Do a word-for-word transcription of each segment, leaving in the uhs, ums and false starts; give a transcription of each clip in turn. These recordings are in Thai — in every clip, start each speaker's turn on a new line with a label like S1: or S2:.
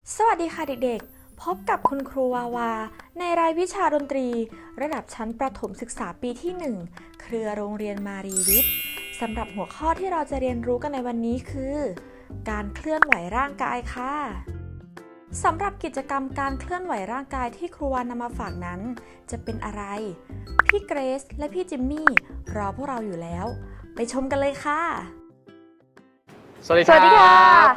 S1: สวัสดีค่ะเด็กๆ พบกับคุณครูวาวาในรายวิชาดนตรีระดับชั้นประถมศึกษาปีที่หนึ่งเครือโรงเรียนมารีวิทย์สำหรับหัวข้อที่เราจะเรียนรู้กันในวันนี้คือ การเคลื่อนไหวร่างกายค่ะสำหรับกิจกรรมการเคลื่อนไหวร่างกายที่ครูวานำมาฝากนั้นจะเป็นอะไรพี่เกรซและพี่จิมมี่รอพวกเราอยู่แล้วไปชมกันเลยค่ะ
S2: สวัสดี
S3: สวัสดีค่ะ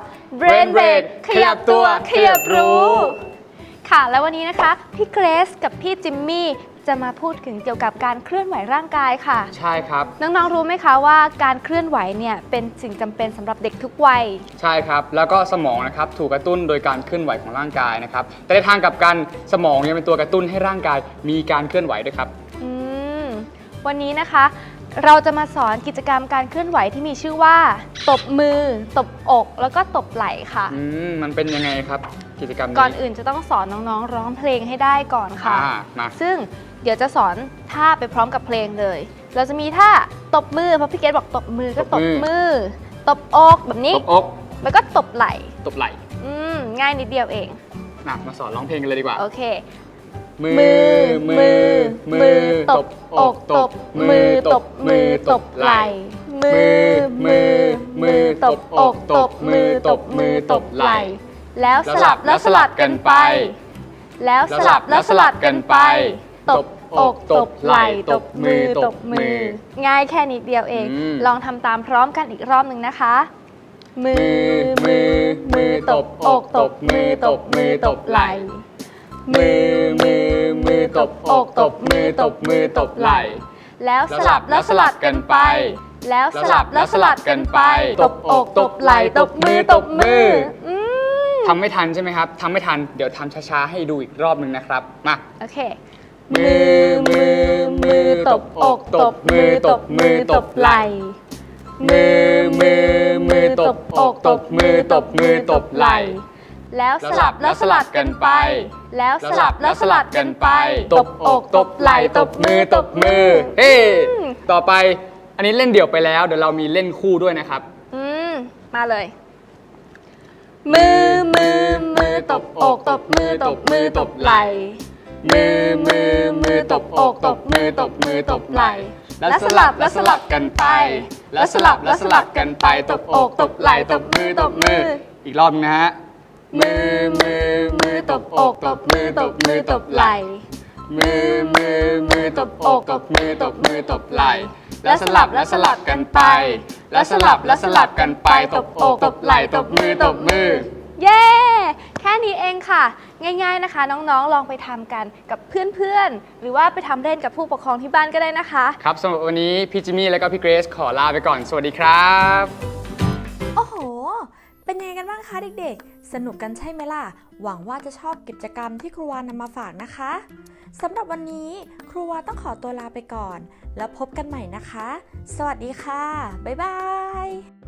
S3: Brain Break ขยับตัวขยับรู้ค่ะแล้ววันนี้นะคะพี่เกรซกับพี่จิมมี่จะมาพูดถึงเกี่ยวกับการเคลื่อนไหวร่างกายค่ะ
S2: ใช่ครับ
S3: น้องๆรู้ไหมคะว่าการเคลื่อนไหวเนี่ยเป็นสิ่งจำเป็นสำหรับเด็กทุกวัย
S2: ใช่ครับแล้วก็สมองนะครับถูกกระตุ้นโดยการเคลื่อนไหวของร่างกายนะครับแต่ในทางกลับกันสมองยังเป็นตัวกระตุ้นให้ร่างกายมีการเคลื่อนไหวด้วยครับ
S3: อืมวันนี้นะคะเราจะมาสอนกิจกรรมการเคลื่อนไหวที่มีชื่อว่าตบมือตบอกแล้วก็ตบไหล่ค่ะ
S2: อืมมันเป็นยังไงครับกิจกรรมนี้
S3: ก่อนอื่นจะต้องสอนน้องๆร้องเพลงให้ได้ก่อนค่ะ
S2: อ่ามา
S3: ซึ่งเดี๋ยวจะสอนท่าไปพร้อมกับเพลงเลย เราจะมีท่าตบมือเพราะพี่เกดบอกตบมือก็ตบมือตบอกแบบนี้
S2: ตบอก
S3: แล้วก็ตบไหล่
S2: ตบไหล่
S3: อืมง่ายนิดเดียวเอง
S2: นะมาสอนร้องเพลงกันเลยดีกว่า
S3: โอเค
S2: มือมือมือตบอกตบมือตบมือตบไหล่มือมือมือตบอกตบมือตบมือตบไหล่
S3: แล้วสลับแล้วสลับกันไป แล้วสลับแล้วสลับกันไปตบอกตบไหล่ตบมือตบมือง่ายแค่นิดเดียวเองลองทำตามพร้อมกันอีกรอบหนึ่งนะคะมือมือมือตบอกตบมือตบมือตบไหล่
S2: มือมือมือตบอกตบมือตบมือตบไหล่
S3: แล้วสลับแล้วสลับกันไป แล้วสลับแล้วสลับกันไปตบอกตบไหล่ตบมือตบมือ
S2: ทำไม่ทันใช่ไหมครับทำไม่ทันเดี๋ยวทำช้าๆให้ดูอีกรอบหนึ่งนะครับมา
S3: โอเค
S2: มือมือมือตบอกตบมือตบมือตบไหล่มือมือมือตบอกตบมือตบมือตบไหล่
S3: แล้วสลับแล้วสลับกันไป แล้วสลับแล้วสลับกันไป
S2: ตบอกตบไหล่ตบมือตบมือเฮ้ต่อไปอันนี้เล่นเดี่ยวไปแล้วเดี๋ยวเรามีเล่นคู่ด้วยนะครับ
S3: อืมมาเลยมือมือมือตบอกตบมือตบมือตบไหล่
S2: มือมือมือตบอกตบมือตบมือตบไหล่
S3: แล้วสลับแล้วสลับกันไป
S2: แล้วสลับแล้วสลับกันไปตบอกตบไหล่ตบมือตบมืออีกรอบนะฮะมือมือมือตบอกตบมือตบมือตบไหล่มือมือมือตบอกตบมือตบมือตบไหล่แล้วสลับแล้วสลับกันไป แล้วสลับแล้วสลับกันไปตบอกตบไหล่ตบมือตบมือ
S3: เย้แค่นี้เองค่ะง่ายๆนะคะน้องๆลองไปทำกันกับเพื่อนๆหรือว่าไปทำเล่นกับผู้ปกครองที่บ้านก็ได้นะคะ
S2: ครับสำหรับวันนี้พี่จิมมี่และก็พี่เกรซขอลาไปก่อนสวัสดีครับ
S1: โอ้โหเป็นยังไงกันบ้างคะเด็กๆสนุกกันใช่ไหมล่ะหวังว่าจะชอบกิจกรรมที่ครูวานำมาฝากนะคะสำหรับวันนี้ครูวาต้องขอตัวลาไปก่อนแล้วพบกันใหม่นะคะสวัสดีค่ะบ๊ายบาย